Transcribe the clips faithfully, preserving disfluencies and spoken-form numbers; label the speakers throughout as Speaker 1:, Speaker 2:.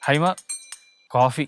Speaker 1: ഹൈമ coffee.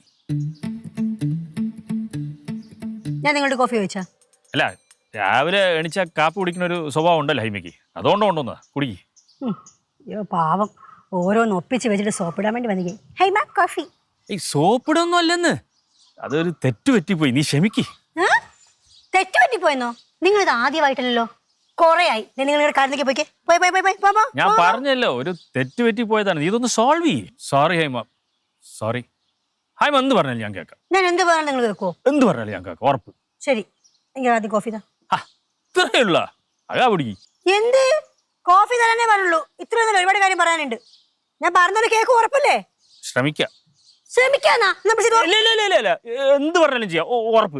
Speaker 2: ഞാൻ നിങ്ങളുടെ coffee ചോദിച്ചാ?
Speaker 1: അല്ല, രാവിലെ എണിച്ച കാപ്പി കുടിക്കുന്ന ഒരു സ്വഭാവം ഉണ്ടല്ലോ ഹൈമയ്ക്ക്, അതുകൊണ്ട് കൊണ്ടുവന്നാ കുടിക്ക്.
Speaker 2: അയ്യോ പാവം, ഓരോന്ന് ഒപ്പിച്ച് വെച്ചിട്ട് സോപ്പിടാൻ വേണ്ടി വന്നിക്കേ. ഹൈമ കോഫി.
Speaker 1: ഈ സോപ്പിടൊന്നും അല്ലെന്ന്, അതൊരു തെറ്റ് പറ്റിപ്പോയി, നീ ക്ഷമിക്ക്.
Speaker 2: തെറ്റ് പറ്റിപ്പോയെന്നോ? നിങ്ങളിത് ആദ്യമായിട്ടല്ലോ, കൊറേ ആയി. നിങ്ങൾ കാരണത്തേക്ക് പോയിക്കേ. പോയി പോയി പോയി പോയി.
Speaker 1: ഞാൻ പറഞ്ഞല്ലോ ഒരു തെറ്റ് പറ്റിപ്പോയതാണ്, നീ ഇതൊന്ന് സോൾവ് ചെയ്യ്. Sorry ഹൈമ, sorry. ഹൈമ എന്ത് പറഞ്ഞാലും ഞാൻ കേൾക്കാം.
Speaker 2: ഞാൻ എന്ത് പറഞ്ഞാൽ നിങ്ങൾ കേൾക്കുവോ?
Speaker 1: എന്ത് പറഞ്ഞാലും ഞാൻ കേൾക്കാം, ഉറപ്പ്.
Speaker 2: ശരി, എനിക്ക് ആദ്യം കോഫി താ.
Speaker 1: ഇത്രയുള്ള അതാ പിടിക്ക്.
Speaker 2: എന്ത് കോഫി തരാനേ പറഞ്ഞുള്ളൂ? ഇത്രയൊന്നും ഒരുപാട് കാര്യം പറയാനുണ്ട്. ഞാൻ പറഞ്ഞത് കേക്ക് ഉറപ്പല്ലേ?
Speaker 1: ശ്രമിക്കാം.
Speaker 2: ശ്രമിക്കാന്നാ?
Speaker 1: എന്ത് പറഞ്ഞാലും ചെയ്യാം, ഉറപ്പ്.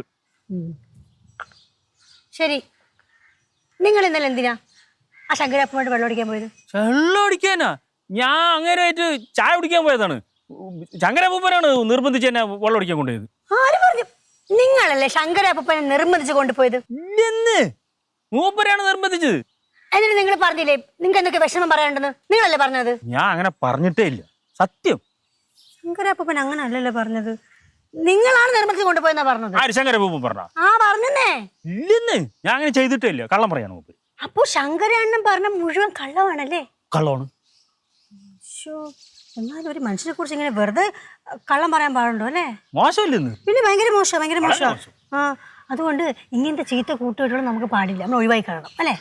Speaker 2: ശരി, നിങ്ങൾ ഇന്നലെ എന്തിനാ ആ ശങ്കരപ്പുമായിട്ട് വെള്ളം അടിക്കാൻ പോയത്?
Speaker 1: വെള്ളം അടിക്കാനാ? ഞാൻ അങ്ങനെയായിട്ട് ചായ കുടിക്കാൻ പോയതാണ്. ശങ്കരപ്പൂപ്പനാണ് നിർബന്ധിച്ച് എന്നെ വെള്ളം അടിക്കാൻ കൊണ്ടുപോയത്.
Speaker 2: ആര് പറഞ്ഞു? നിങ്ങളല്ലേ ശങ്കരപ്പൂപ്പനെ നിർബന്ധിച്ച് കൊണ്ടുപോയത്?
Speaker 1: ഇല്ലെന്ന്, മൂപ്പരാണ് നിർബന്ധിച്ചത്.
Speaker 2: എന്നിട്ട് നിങ്ങൾ പറഞ്ഞില്ലേ നിങ്ങൾക്ക് എന്തൊക്കെ വിഷമം പറയാനുണ്ടെന്ന്? നിങ്ങളല്ലേ പറഞ്ഞത്?
Speaker 1: ഞാൻ അങ്ങനെ പറഞ്ഞിട്ടേ ഇല്ല, സത്യം.
Speaker 2: ശങ്കരപ്പൂപ്പൻ അങ്ങനെ അല്ലല്ലോ പറഞ്ഞത്, നിങ്ങളാണ് നിർബന്ധിച്ച് കൊണ്ടുപോയെന്നാ പറഞ്ഞത്.
Speaker 1: ആര് ശങ്കരപ്പൂപ്പൻ പറഞ്ഞ?
Speaker 2: ആ പറഞ്ഞേ.
Speaker 1: ഇല്ലെന്ന്, ഞാൻ അങ്ങനെ ചെയ്തിട്ടേ ഇല്ല, കള്ളം പറയാണ് മൂപ്പര്.
Speaker 2: അപ്പൊ ശങ്കരണ്ണൻ പറഞ്ഞ മുഴുവൻ കള്ളമാണല്ലേ?
Speaker 1: കള്ളമാണ്.
Speaker 2: എന്നാലും ഒരു മനുഷ്യനെ കുറിച്ച് ഇങ്ങനെ വെറുതെ കള്ളം പറയാൻ പാടുണ്ടോ അല്ലേ?
Speaker 1: മോശമില്ലെന്ന്.
Speaker 2: പിന്നെ ഭയങ്കര മോശം, ഭയങ്കര മോശം. ആ, അതുകൊണ്ട് ഇങ്ങനത്തെ ചീത്ത കൂട്ടുകെട്ടുകൾ നമുക്ക് പാടില്ല, നമ്മൾ ഒഴിവായി കാണണം അല്ലേ?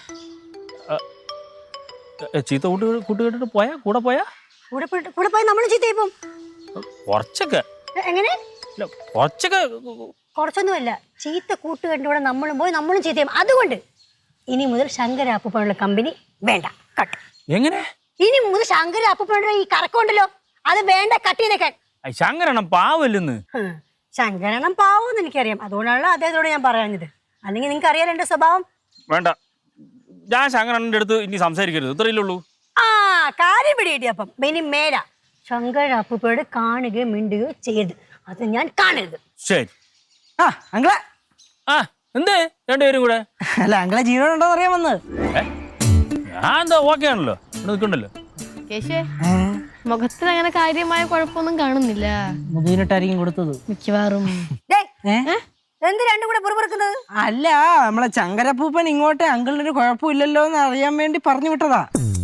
Speaker 1: ചീത്ത കൂട്ട് കൂട്ടുകെട്ടിട്ട് പോയാ കൂടെ പോയാ
Speaker 2: കൂടെ കൂടെ പോയി നമ്മൾ ചീത്തയായി പോകും.
Speaker 1: കുറച്ചൊക്കെ.
Speaker 2: എങ്ങനെ?
Speaker 1: കുറച്ചൊക്കെ.
Speaker 2: കുറച്ചൊന്നുമല്ല, ചീത്ത കൂട്ടുകെട്ടിലൂടെ നമ്മളും പോയി നമ്മളും ചീത്തയും. അതുകൊണ്ട് ഇനി മുതൽ ശങ്കര അപ്പൂപ്പനുള്ള കമ്പനി വേണ്ട, കട്ട്.
Speaker 1: എങ്ങനെ?
Speaker 2: ഇനി മുതൽ ശങ്കര അപ്പൂപ്പനുള്ള ഈ കറക്കമുണ്ടല്ലോ, അത് വേണ്ട, കട്ട് ചെയ്തേക്കാൻ.
Speaker 1: ശങ്കരണം പാവല്ലെന്ന്.
Speaker 2: ശങ്കരണം പാവമെന്ന് എനിക്കറിയാം, അതുകൊണ്ടാണല്ലോ അദ്ദേഹത്തോട് ഞാൻ പറയാഞ്ഞത്. അല്ലെങ്കിൽ നിങ്ങൾക്ക് അറിയാലോ എന്റെ സ്വഭാവം.
Speaker 1: വേണ്ട, ഞാൻ ശങ്കരണ്ണന്റെ അടുത്ത് ഇനി സംസാരിക്കരുത്, ഇത്രയല്ലേ ഉള്ളൂ.
Speaker 2: ആ കാര്യം പിടികിട്ടി. അപ്പം ഇനി മേല ശങ്കര അപ്പൂപ്പയോട് കാണുകയോ മിണ്ടുകയോ ചെയ്യരുത്, അത് ഞാൻ കാണരുത്.
Speaker 1: ശരി.
Speaker 3: ആ അങ്കളെ.
Speaker 1: ആ എന്തേ രണ്ടുപേരും കൂടെ?
Speaker 3: അല്ല അങ്കളെ ജീവനുണ്ടോന്ന് അറിയാൻ വന്നത്.
Speaker 1: ഞാൻ എന്താ ഓക്കെ ആണല്ലോ, ഇവിടെ നിൽക്കണ്ടല്ലോ.
Speaker 4: മുഖത്തിന് അങ്ങനെ കാര്യമായ കുഴപ്പമൊന്നും കാണുന്നില്ല.
Speaker 3: മുതിരിട്ടായിരിക്കും കൊടുത്തത്
Speaker 4: മിക്കവാറും.
Speaker 2: എന്ത് രണ്ടും കൂടെ പുറപ്പെടുക്കുന്നത്?
Speaker 3: അല്ല, നമ്മളെ ശങ്കരപ്പൂപ്പൻ ഇങ്ങോട്ട് അങ്കിളിനൊരു കുഴപ്പമില്ലല്ലോ എന്ന് അറിയാൻ വേണ്ടി പറഞ്ഞു വിട്ടതാ.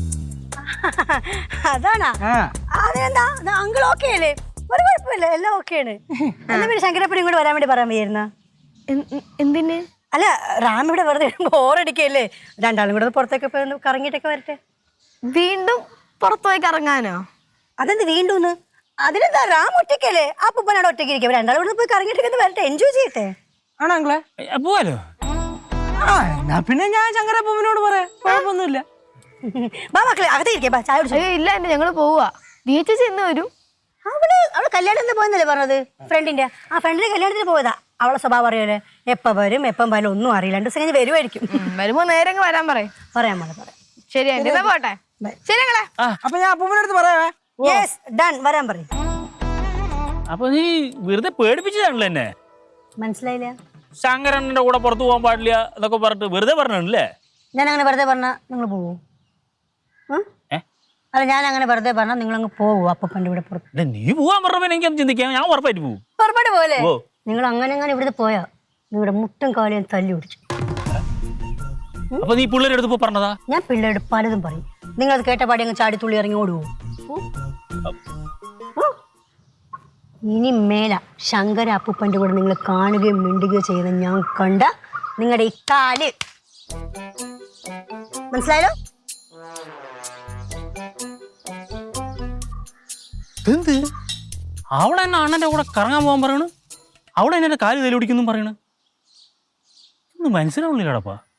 Speaker 2: അതാണാ? അതെന്താ അങ്കിൾ ഓക്കെ അല്ലേ? ഒരു കുഴപ്പമില്ല, എല്ലാം ഓക്കെയാണ്. എന്നാ പിന്നെ ശങ്കരപ്പൻ ഇങ്ങോട്ട് വരാൻ വേണ്ടി പറയാൻ വയ്യായിരുന്ന?
Speaker 4: എന്തിന്?
Speaker 2: അല്ല, റാം ഇവിടെ വെറുതെ ബോറടിക്കല്ലേ, രണ്ടാളും കൂടെ പുറത്തേക്ക് പോയി കറങ്ങിയിട്ടൊക്കെ വരട്ടെ.
Speaker 4: വീണ്ടും പുറത്തുപോയി കറങ്ങാനോ?
Speaker 2: അതെന്ത് വീണ്ടും? അതിനെന്താ, റാം ഒറ്റയ്ക്കല്ലേ, ആ പൂപ്പനോട് ഒറ്റയ്ക്ക് ഇരിക്കും. രണ്ടാളും കൂടെ പോയി കറങ്ങിയിട്ടൊക്കെ വരട്ടെ, എൻജോയ് ചെയ്യട്ടെ.
Speaker 3: ആണോ അങ്കളെ?
Speaker 1: പോവാലോ.
Speaker 3: ആ എന്നാ പിന്നെ ഞാൻ ശങ്കരപ്പൂപ്പനോട് പറയാം, കുഴപ്പമൊന്നുമില്ല.
Speaker 2: ബാ മക്കളെ അകത്തേരിക്കേ, ബാ ചായ കുടിച്ചോ.
Speaker 4: ഇല്ല, എന്റെ ഞങ്ങള് പോവാ. ചേച്ചി എന്ന് വരും?
Speaker 2: അവള് അവള് കല്യാണത്തിന് പോയെന്നല്ലേ പറഞ്ഞത്, ഫ്രണ്ടിന്റെ. ആ ഫ്രണ്ടിന്റെ കല്യാണത്തിന് പോയതാ. അവളെ സ്വഭാവം അറിയാലേ, എപ്പം വരും എപ്പം വരും ഒന്നും അറിയില്ല. രണ്ടു ദിവസം കഴിഞ്ഞ് വരുമായിരിക്കും.
Speaker 4: വരുമ്പോ നേരെ വരാൻ പറയും.
Speaker 2: പറയാൻ പോലെ പറയാം.
Speaker 4: ശരി ആന്റി, പോട്ടെ. ശരി അങ്ങളെ.
Speaker 3: അപ്പൊ ഞാൻ അപ്പൂപ്പൻ്റെ അടുത്ത് പറയാവേ.
Speaker 2: യെസ് ഡൺ, വരാൻ പറയും.
Speaker 1: അപ്പൊ നീ വെറുതെ പേടിപ്പിച്ചതാണല്ലോ എന്നെ.
Speaker 2: മനസ്സിലായില്ല?
Speaker 1: ശങ്കരണ്ണന്റെ കൂടെ പുറത്തു പോകാൻ പാടില്ല എന്നൊക്കെ പറഞ്ഞിട്ട് വെറുതെ പറഞ്ഞല്ലേ?
Speaker 2: ഞാൻ അങ്ങനെ വെറുതെ പറഞ്ഞാ നിങ്ങൾ പോവോ? അല്ല, ഞാൻ അങ്ങനെ വെറുതെ പറഞ്ഞാൽ നിങ്ങളങ്ങ് പോവോ അപ്പൂപ്പൻ്റെ ഇവിടെ പുറത്ത്?
Speaker 1: നീ പോവാൻ പറഞ്ഞപ്പോ എനിക്ക് ചിന്തിക്കാം, ഞാൻ ഉറപ്പായിട്ട് പോകും.
Speaker 2: പുറപ്പാട് പോലെ നിങ്ങൾ അങ്ങനെ അങ്ങനെ ഇവിടുത്തെ പോയാ നിങ്ങളുടെ മുട്ടും കാലും തല്ലി പിടിച്ചു.
Speaker 1: അപ്പൊ നീ പിള്ളേരുടെ അടുത്ത് പോയി പറഞ്ഞതാ? ഞാൻ
Speaker 2: പിള്ളേരുടെ പലതും പറയും, നിങ്ങളത് കേട്ട പാടി അങ്ങ് ചാടി തുള്ളി ഇറങ്ങി ഓടുവോ? ഇനി മേല ശങ്കര അപ്പൂപ്പൻ്റെ കൂടെ നിങ്ങൾ കാണുകയും മിണ്ടുകയോ ചെയ്യുന്ന ഞാൻ കണ്ട നിങ്ങളുടെ ഈ കാല്, മനസ്സിലായല്ലോ?
Speaker 1: എന്ത് അവളെ എന്നെ അണ്ണന്റെ കൂടെ കറങ്ങാൻ പോകാൻ പറയണ്, അവളെ എന്നെ കാല് തലി പിടിക്കുന്നു പറയണ്. ഒന്നും മനസ്സിലാവുന്നില്ലടാപ്പാ.